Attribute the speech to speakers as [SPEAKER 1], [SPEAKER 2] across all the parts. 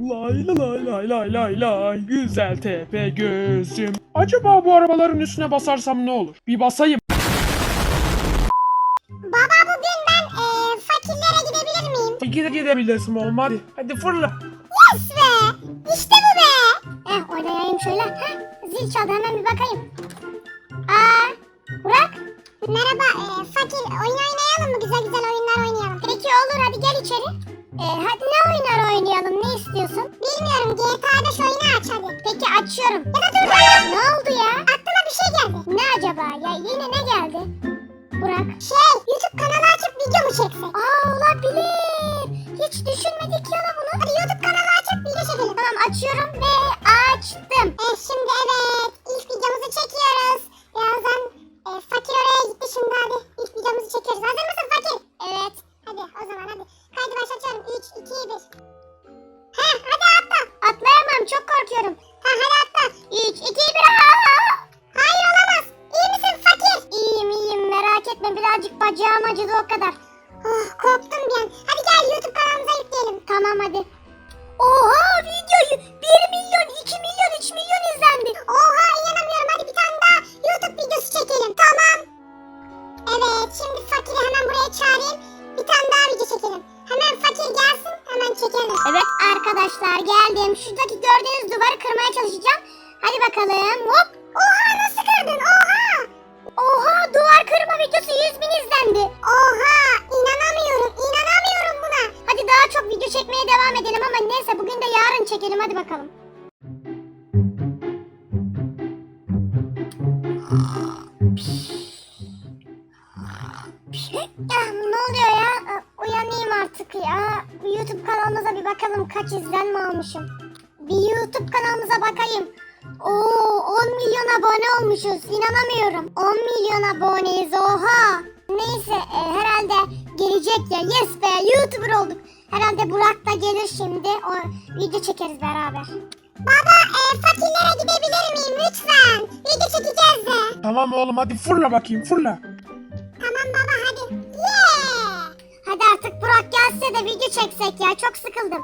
[SPEAKER 1] Lay lay lay lay lay lay. Güzel tepe gözüm. Acaba bu arabaların üstüne basarsam ne olur? Bir basayım.
[SPEAKER 2] Baba bugün ben fakirlere gidebilir miyim?
[SPEAKER 1] Gidebilirsin oğlum, hadi. Hadi fırla.
[SPEAKER 2] Yes be! İşte bu be! Oynayayım şöyle. Zil çaldı, hemen bir bakayım. Burak. Merhaba fakir, oyun oynayalım mı? Güzel güzel oyunlar oynayalım. Peki olur, hadi gel içeri. Hadi ne oyunlar oynayalım, ne istiyorsun? Bilmiyorum, GTA'da şu oyunu aç hadi. Peki açıyorum. Ya da dur. Ne oldu ya? Aklıma bir şey geldi. Ne acaba? Ya yine ne geldi? Burak. YouTube kanalı açıp video mu çeksek? Olabilir. Hiç düşünmedik ya da bunu. Hadi YouTube kanalı açıp video çekelim. Tamam, açıyorum ve açtım. Şimdi evet, ilk videomuzu çekiyoruz. Birazdan fakir oraya gitti, şimdi hadi ilk videomuzu çekiyoruz. Hazır mısın fakir? Evet. Hadi o zaman hadi. Kaydı başlatıyorum. 3, 2, 1. Hadi atla. Atlayamam, çok korkuyorum. Hadi atla. 3, 2, 1. Hayır, olamaz. İyi misin fakir? İyiyim, merak etme, birazcık bacağım acıdı o kadar. Korktum bir an. Hadi gel YouTube kanalımıza yükleyelim. Tamam hadi. Oha, videoyu 1 milyon, 2 milyon, 3 milyon izlendi. Oha, inanamıyorum, hadi bir tane daha YouTube videosu çekelim. Tamam. Evet, şimdi fakiri hemen buraya çağırayım. Bir tane daha video çekelim. Hemen fakir gelsin, hemen çekelim. Evet arkadaşlar, geldim. Şuradaki gördüğünüz duvarı kırmaya çalışacağım. Hadi bakalım. Hop. Oha, nasıl kırdın? Oha, duvar kırma videosu 100.000 izlendi. Oha, inanamıyorum buna. Hadi daha çok video çekmeye devam edelim ama neyse, bugün de yarın çekelim, hadi bakalım. Ne oluyor ya? Uyanayım artık ya. YouTube kanalımıza bir bakalım, kaç izlenme almışım. Bir YouTube kanalımıza bakayım. 10 milyon abone olmuşuz. İnanamıyorum. 10 milyon aboneyiz. Oha. Neyse herhalde gelecek ya. Yes be, YouTuber olduk. Herhalde Burak da gelir şimdi. O video çekeriz beraber. Baba fakirlere gidebilir miyim lütfen? Video çekeceğiz de.
[SPEAKER 1] Tamam oğlum, hadi fırla bakayım, fırla.
[SPEAKER 2] Tamam baba, hadi. Yeah. Hadi artık Burak gelse de video çeksek ya. Çok sıkıldım.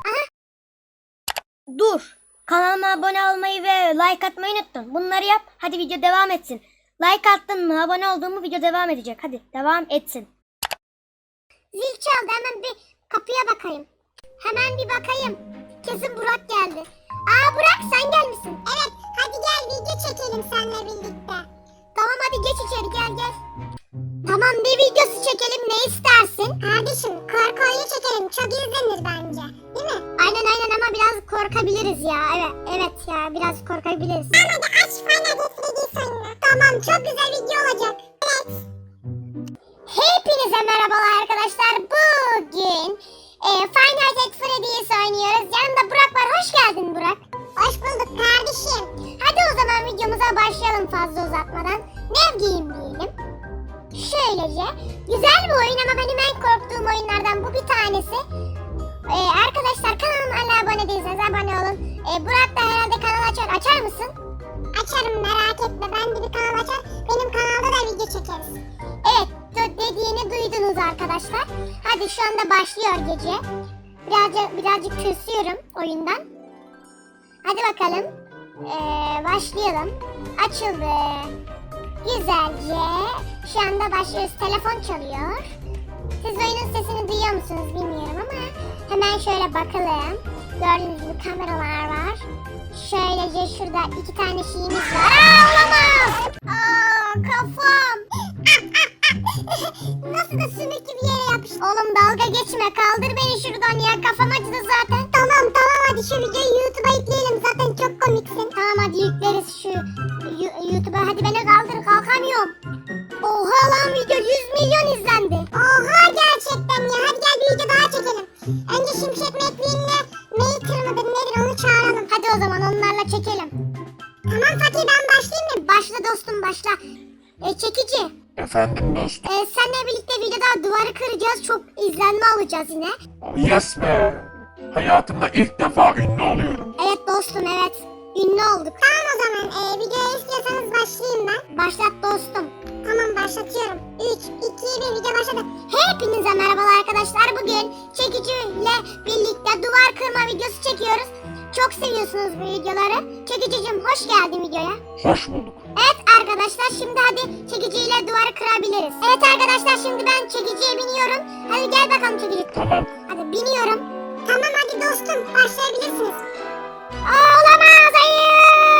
[SPEAKER 3] Dur. Kanalıma abone olmayı ve like atmayı unuttun. Bunları yap. Hadi video devam etsin. Like attın mı, abone oldun mu video devam edecek. Hadi devam etsin.
[SPEAKER 2] Zil çaldı, hemen bir kapıya bakayım. Hemen bir bakayım. Kesin Burak geldi. Burak, sen gelmişsin. Evet, hadi gel video çekelim seninle birlikte. Tamam, hadi geç içeri, gel. Tamam, ne videosu çekelim, ne istersin? Kardeşim, korku oyunu çekelim, çok izlenir bence. Değil mi? Aynen ama biraz korkabiliriz ya. Evet ya, biraz korkabiliriz. Tamam, hadi aç Final Fantasy sonuna. Tamam, çok güzel video olacak. Evet. Hepinize merhabalar arkadaşlar. Bugün Final Fantasy oynuyoruz. Yanımda Burak var. Hoş geldin Burak. Hoş bulduk kardeşim. Hadi o zaman videomuza başlayalım fazla uzatmadan. Ne giyeyim? Şöylece. Güzel bir oyun ama benim en korktuğum oyunlardan bu bir tanesi. Arkadaşlar, kanalıma hala abone değilseniz abone olun. Burak da herhalde kanal açar. Açar mısın? Açarım, merak etme. Ben de bir kanal açar. Benim kanalda da video çekeriz. Evet, dediğini duydunuz arkadaşlar. Hadi şu anda başlıyor gece. Birazcık tırsıyorum oyundan. Hadi bakalım. Başlayalım. Açıldı. Güzelce. Şu anda başlıyoruz. Telefon çalıyor. Siz oyunun sesini duyuyor musunuz bilmiyorum ama hemen şöyle bakalım. Gördüğünüz gibi kameralar var. Şöylece şurada 2 tane şeyimiz var. Olamaz. Kafam. Nasıl da sümük gibi yere yapıştı. Oğlum dalga geçme, kaldır beni şuradan ya, kafam acıdı zaten. Tamam hadi şu videoyu YouTube'a yükleyelim, zaten çok komiksin. Tamam, hadi yükleriz şu YouTube'a, hadi beni kaldır, kalkamıyorum. Oha lan, video 100 milyon izlendi. Oha, gerçekten ya, hadi gel bir video daha çekelim. Önce Şimşek McQueen'le Maker mıdır nedir onu çağıralım. Hadi o zaman onlarla çekelim. Tamam fakir, ben başlayayım mı? Başla dostum, başla. Çekici.
[SPEAKER 1] Efendim dostum.
[SPEAKER 2] Seninle birlikte videoda duvarı kıracağız. Çok izlenme alacağız yine.
[SPEAKER 1] Yes be. Hayatımda ilk defa ünlü oluyorum.
[SPEAKER 2] Evet dostum, evet. Ünlü olduk. Tamam o zaman. Videoyu istiyorsanız başlayayım ben. Başlat dostum. Tamam, başlatıyorum. 3, 2, 1, video başladı. Hepinize merhabalar arkadaşlar. Bugün çekiciyle birlikte duvar kırma videosu çekiyoruz. çok seviyorsunuz bu videoları. Çekicicim hoş geldin videoya.
[SPEAKER 1] Hoş bulduk.
[SPEAKER 2] Evet arkadaşlar şimdi hadi çekiciyle duvarı kırabiliriz. Evet arkadaşlar şimdi ben çekiciye biniyorum. Hadi gel bakalım çekici.
[SPEAKER 1] Tamam.
[SPEAKER 2] Hadi biniyorum. Tamam hadi dostum başlayabilirsiniz. Olamaz hayır.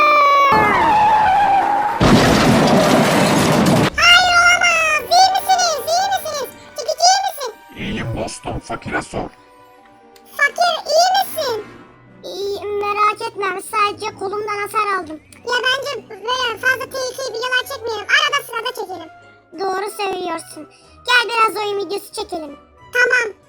[SPEAKER 2] Hayır olamaz. İyi misiniz? İyi misiniz? Çekici iyi misin?
[SPEAKER 1] İyiyim dostum, fakire sor.
[SPEAKER 2] Fakir iyi misin? İyiyim merak etme sadece kolumdan hasar aldım. Ya bence böyle fazla tehlikeli videolar çekmeyelim. Arada sırada çekelim. Doğru söylüyorsun. Gel biraz oyun videosu çekelim. Tamam.